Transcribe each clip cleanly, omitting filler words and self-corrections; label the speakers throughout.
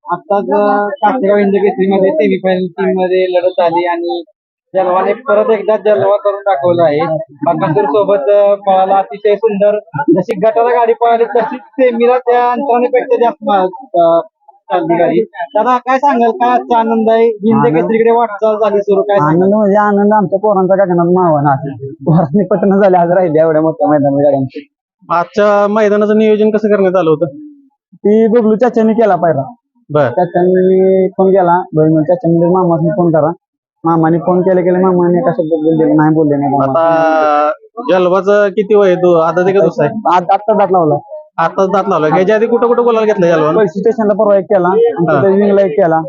Speaker 1: आताच कासेगाव हिंद केसरीमध्ये सेमीफायनल टीम मध्ये लढत झाली आणि जलवाने परत एकदा जलवा करून दाखवला आहे. बकासूर सोबत पळाला अतिशय सुंदर. जशी गटाला गाडी पळाली तशीच सेमीला त्या अंतरानेपेक्षा जास्त चालली गाडी. दादा काय सांगाल, काय आजचा आनंद आहे? हिंद केसरीकडे वाटचाल झाली सुरू, काय
Speaker 2: आनंद म्हणजे आनंद आमच्या पोरांचा गगनात मावा पोरांनी पटन झाले आज राहिले एवढ्या मोठ्या मैदानात गाड्यांची.
Speaker 3: आजच्या मैदानाचं नियोजन कसं करण्यात आलं होतं?
Speaker 2: ती बबलू चाच्यानी केला पाहिला.
Speaker 3: बर,
Speaker 2: चाच्यानी फोन केला, चाच्यानी मामाने फोन करा. मामाने फोन केले मामाने एका शब्दात बोलले नाही, बोलले नाही.
Speaker 3: आता जलवाचं किती वय आहे? आता ते कसं आहे?
Speaker 2: आत्ता दात लावला.
Speaker 3: आताच दात लावला. याच्या आधी कुठं कुठं बोलायला घेतलं जलवा?
Speaker 2: पैसे स्टेशनला परवा एक केला, विंगला एक केला,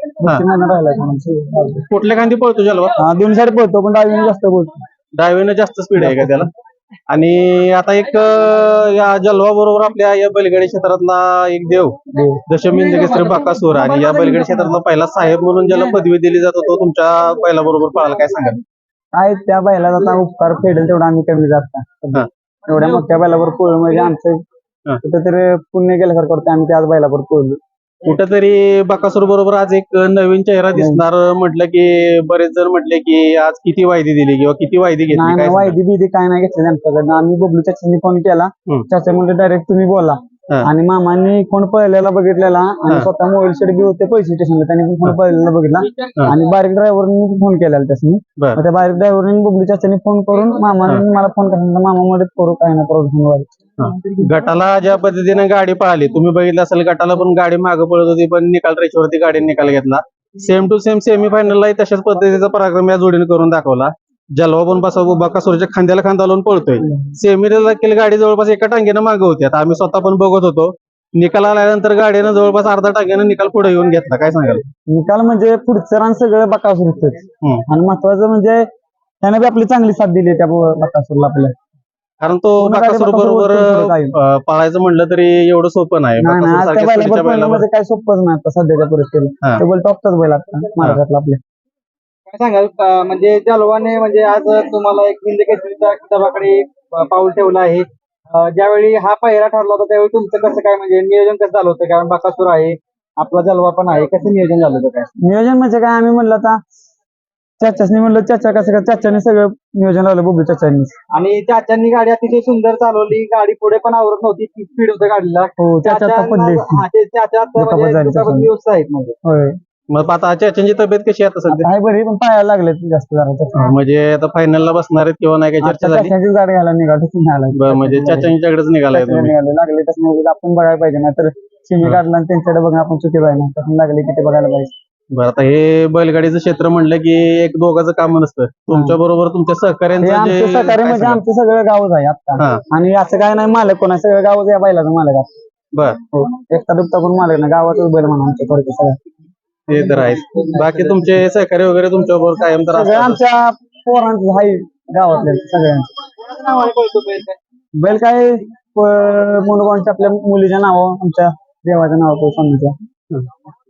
Speaker 2: राहिला.
Speaker 3: कुठल्या खांदी पळतो जलवा?
Speaker 2: दोन साईड पळतो पण डावीने जास्त बोलतो.
Speaker 3: डावीनं जास्त स्पीड आहे का त्याला? आणि आता एक या जलवा बरोबर आपल्या या बैलगाडी क्षेत्रातला एक देव दशमिंद केसरी बकासूर, आणि या बैलगाडी क्षेत्रातला पहिला साहेब म्हणून ज्याला पदवी दिली जात तो तुमच्या बैला बरोबर पळाला, काय सांगाल?
Speaker 2: काय त्या बैलाचा आता उपकार फेडेल तेवढा आम्ही कमी जात. एवढ्या मोठ्या बैलावर पोळ म्हणजे आमचं कुठेतरी पुण्य केल्यासारखं वाटतं. आम्ही त्याच बैलावर पोळलो.
Speaker 3: कुठेतरी बकासूर बरोबर आज एक नवीन चेहरा दिसणार म्हटलं की बरेच जण म्हटले की आज किती वायदी दिली किंवा किती वायदी घेतली, काय
Speaker 2: नाही वायदी बिदी काय नाही घेतली आमच्याकडनं. आम्ही बबलू चाचांनी फोन केला, चाचा म्हणजे डायरेक्ट तुम्ही बोला. आणि मामांनी फोन पळलेला बघितलेला आणि स्वतः मोबाईल शेड बी होते पैसे स्टेशनला, त्यांनी पण फोन पळलेला बघितला आणि बारीक ड्रायव्हरनी फोन केलेला त्यासनी. त्या बारीक ड्रायव्हरनी बबलू चाचांनी फोन करून मामाने मला फोन करा, मामा मध्ये करू काय ना करू.
Speaker 3: गटाला ज्या पद्धतीने गाडी पळाली तुम्ही बघितलं असेल, गटाला पण गाडी मागे पळत होती पण निकाल रेषेवरती गाडी निकाल घेतला. सेम टू सेम सेमीफायनलला तशाच पद्धतीचा पराक्रम या जोडीने करून दाखवला. जलवा पण बकासूरच्या खांद्याला खांदा लावून पळतोय. सेमीला देखील गाडी जवळपास एका टांगेनं मागे होती. आता आम्ही स्वतः पण बघत होतो. निकाल आल्यानंतर गाडीनं जवळपास अर्धा टांग्यानं निकाल पुढे येऊन घेतला, काय सांगाल?
Speaker 2: निकाल म्हणजे पुढचं रान सगळं बकासूरच आणि महत्वाचं म्हणजे त्याने बी आपली चांगली साथ दिली त्या बकासूरला आपल्या.
Speaker 3: कारण तो बकासूर बरोबर पळायचं म्हणलं तरी एवढं सोपं नाही.
Speaker 2: म्हणजे काय सोपंच नाही आता सध्याच्या परिस्थितीला. टेबल टॉपचाच बैल आता महाराष्ट्रातला आपल्या.
Speaker 1: काय सांगाल, म्हणजे जलवाने म्हणजे आज तुम्हाला एक हिंद केसरीच्या किताबाकडे पाऊल ठेवलं आहे. ज्यावेळी हा पहिरा ठरला होता त्यावेळी तुमचं कसं काय म्हणजे नियोजन कसं झालं होतं? कारण बकासूर आहे, आपला जलवा पण आहे, कसं नियोजन झालं होतं? काय
Speaker 2: नियोजन म्हणजे काय, आम्ही म्हणलं आता चाचानी म्हणलं चाचा कसं काय, चाचाने सगळं नियोजन लावलं बबलू चाचांनी.
Speaker 1: आणि चाचांनी गाडी अतिशय सुंदर चालवली. गाडी पुढे पण आवरत नव्हती, स्पीड होतं गाडीला.
Speaker 2: चाचा
Speaker 3: मग आता चाचांची तब्येत कशी आहे आता सध्या?
Speaker 2: आहे बरी, पण पायाला लागले जास्त जरा.
Speaker 3: म्हणजे आता फायनलला बसणार आहेत किंवा नाही, काय चर्चा झाली?
Speaker 2: चाचाचीच गाडी घाला निघाली,
Speaker 3: म्हणजे चाचांच्याकडेच निघालाय तुम्ही.
Speaker 2: लागले तसं आपण बघायला पाहिजे ना, तर शिमी काढला आणि त्यांच्याकडे बघा आपण चुकी पाहिजे ना, तसं लागले की ते बघायला पाहिजे.
Speaker 3: बरं, आता हे बैलगाडीचं क्षेत्र म्हणलं की एक दोघांचं काम नसतं. तुमच्या बरोबर तुमच्या सहकार्यांचं
Speaker 2: सहकार्य म्हणजे आमचं सगळं गावच आहे आता. आणि असं काय नाही मालक कोण आहे, सगळं गावच या बैलाचं मालक आहे.
Speaker 3: बर,
Speaker 2: एकटा दुपटा कोण मालक नाही, गावातच बैल म्हणा आमच्या थोडक्यात सगळं.
Speaker 3: ते तर आहे. बाकी तुमचे सहकार्य वगैरे तुमच्या बरोबर कायम तर
Speaker 2: सगळं आमच्या पोरांचं आहे गावातल्या सगळ्यांचं. बैल काय मनोभावांच्या आपल्या मुलीच्या नावावर, आमच्या देवाच्या नावावर, स्वामीच्या.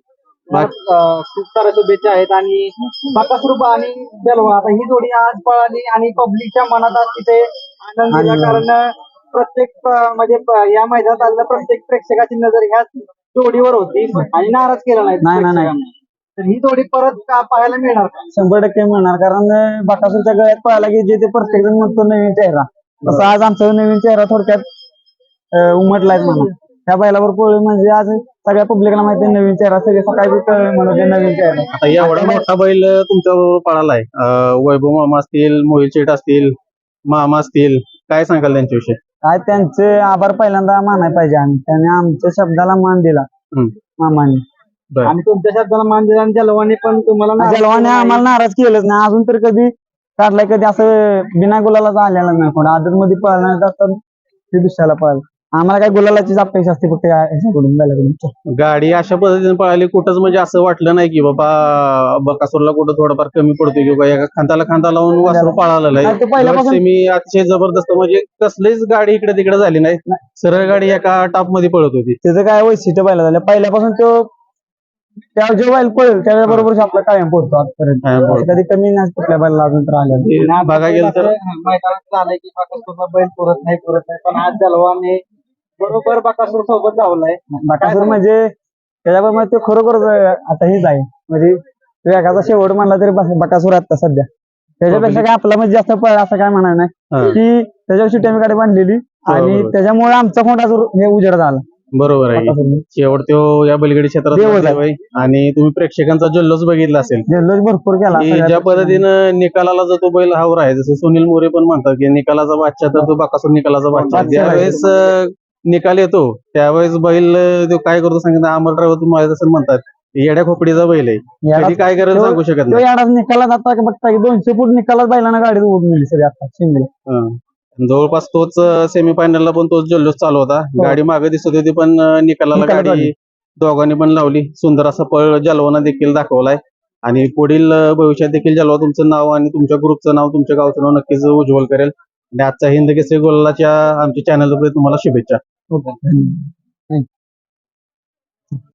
Speaker 1: खूप साऱ्या शुभेच्छा आहेत. आणि बकासूर आणि जलवा आता ही जोडी आज पळाली आणि पब्लिकच्या मनात आज तिथे आनंद दिला. कारण प्रत्येक म्हणजे या मैदानात आलेल्या प्रत्येक प्रेक्षकाची नजर ह्या जोडीवर होती आणि नाराज केला नाही. तर ही जोडी परत पाहायला मिळणार का?
Speaker 2: 100% मिळणार, कारण बकासूरच्या गळ्यात पळायला की जे ते प्रत्येक जण म्हणतो नवीन चेहरा, तसं आज आमचा नवीन चेहरा थोडक्यात उमटलाय म्हणून. त्या बैलावर पोळी म्हणजे आज सगळ्या पब्लिकला माहिती आहे नवीन चेहरा, सगळे सकाळी म्हणून नवीन चेहरा.
Speaker 3: आता एवढा मोठा बैल तुमच्या बरोबर पळालाय, वैभव मामा असतील, मोहित शेठ असतील, मामा असतील, काय सांगाल त्यांच्याविषयी?
Speaker 2: काय त्यांचे आभार पहिल्यांदा मानायला पाहिजे आम्ही, त्याने आमच्या शब्दाला मान दिला मामाने.
Speaker 1: आणि तुमच्या शब्दाला मान दिला आणि जलवाने पण तुम्हाला,
Speaker 2: जलवाने आम्हाला नाराज केलंच नाही अजून तर. कधी काढलाय कधी असं बिना गुलाला आलेला नाही कोण. आदत मध्ये पळणार जातात ते दुसऱ्याला पळाल. आम्हाला काय गुलालाचीच अपेक्षा असते फक्त ह्याच्याकडून.
Speaker 3: गाडी अशा पद्धतीने पळाली, कुठंच म्हणजे असं वाटलं नाही की बाबा बकासूरला कुठं थोडंफार कमी पडतोय किंवा एका खांद्याला खांदा लावून वासरू पळालेलं आहे. मी अतिशय जबरदस्त, म्हणजे कसलीच गाडी इकडे तिकडे झाली नाही, सरळ गाडी एका टॉप मध्ये पळत होती.
Speaker 2: त्याचं काय वैशिष्ट्य पहिला झालं, पहिल्यापासून तो त्या जे बैल पळेल त्याच्या बरोबर आपला कायम पोहोचतो आजपर्यंत. कधी कमी नाही कुठल्या बैलाला अजून तर आल्या.
Speaker 3: बघा गेलं तर
Speaker 1: मैदानात झालंय की बकासूरला बैल पुरत नाही, पण आज जलवाने बरोबर बकासूर सोबत धावलाय.
Speaker 2: बकासूर म्हणजे त्याच्यामुळे तो खरोखर आता हेच आहे म्हणजे वेगाचा शेवट म्हणला तरी बकासूर आता सध्या त्याच्यापेक्षा काय आपला म्हणजे जास्त पळ असं काय म्हणणार नाही की त्याच्यावर शिट्टी आम्ही गाडी बांधलेली आणि
Speaker 3: बरोबर.
Speaker 2: त्याच्यामुळे आमचा कोणता हे उजेड झाला
Speaker 3: बरोबर आहे
Speaker 2: बकासूरने.
Speaker 3: शेवट तो या बैलगाडी क्षेत्रात
Speaker 2: देवच आहे.
Speaker 3: देव आहे. आणि तुम्ही प्रेक्षकांचा जल्लोष बघितला असेल
Speaker 2: जल्लोष भरपूर केला
Speaker 3: की
Speaker 2: सगळ्या
Speaker 3: ज्या
Speaker 2: पक्षांनी.
Speaker 3: पद्धतीनं निकालाला जो तो बैल हावर आहे जसं सुनील मोरे पण म्हणतात की निकालाचा बादशाह तर तो बकासूर निकालाचा बादशाह
Speaker 2: बादशाह आहे.
Speaker 3: ज्यावेळेस निकाल येतो त्यावेळेस बैल तो काय करतो सांगितलं अमर ड्रायव्हर तुम्ही तसं म्हणतात येड्या खोपडीचा बैल आहे
Speaker 2: याला-
Speaker 3: कधी काय करेल
Speaker 2: तो-
Speaker 3: सांगू शकत
Speaker 2: तो
Speaker 3: नाही
Speaker 2: याडाच निकालात आता बघता की 200 फूट निकालात बैलांना गाडी उडून गेली सगळी आता शिंगले
Speaker 3: हं. जवळपास तोच सेमीफायनलला पण तोच जल्लोष चालू होता गाडी मागे दिसत होती पण निकालाला
Speaker 2: निकालात
Speaker 3: गाडी
Speaker 2: आली.
Speaker 3: दोघांनी पण लावली सुंदर असा पळ जलवाना देखील दाखवलाय आणि पुढील भविष्यात देखील जलवा तुमचं नाव आणि तुमच्या ग्रुपचं नाव तुमच्या गावचं नाव नक्कीच उज्ज्वल करेल आणि आजचा हिंद केसरी गोलाच्या आमच्या चॅनलवर तुम्हाला शुभेच्छा
Speaker 2: ओके.